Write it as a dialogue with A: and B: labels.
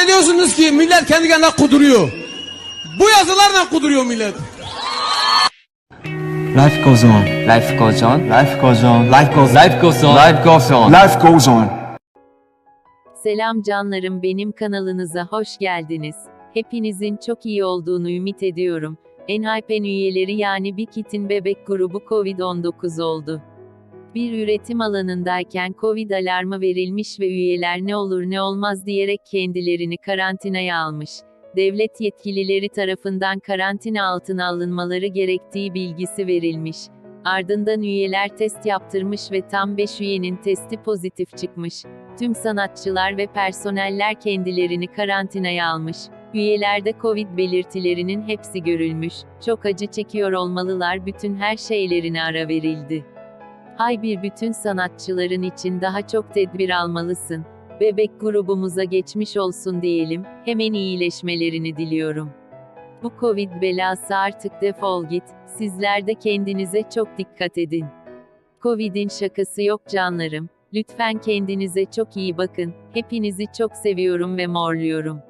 A: Zannediyorsunuz ki millet kendi kendine kuduruyor. Bu yazılarla kuduruyor millet.
B: Life goes on. Life goes on. Life goes on. Life goes on. Life goes on. Life goes on. Life goes on.
C: Selam canlarım, benim kanalınıza hoş geldiniz. Hepinizin çok iyi olduğunu ümit ediyorum. Enhypen üyeleri yani Big Hit'in bebek grubu Covid-19 oldu. Bir üretim alanındayken Covid alarmı verilmiş ve üyeler ne olur ne olmaz diyerek kendilerini karantinaya almış. Devlet yetkilileri tarafından karantina altına alınmaları gerektiği bilgisi verilmiş. Ardından üyeler test yaptırmış ve tam 5 üyenin testi pozitif çıkmış. Tüm sanatçılar ve personeller kendilerini karantinaya almış. Üyelerde Covid belirtilerinin hepsi görülmüş. Çok acı çekiyor olmalılar, bütün her şeylerine ara verildi. Bütün sanatçıların için daha çok tedbir almalısın. Bebek grubumuza geçmiş olsun diyelim, hemen iyileşmelerini diliyorum. Bu Covid belası artık defol git, sizler de kendinize çok dikkat edin. Covid'in şakası yok canlarım, lütfen kendinize çok iyi bakın, hepinizi çok seviyorum ve morluyorum.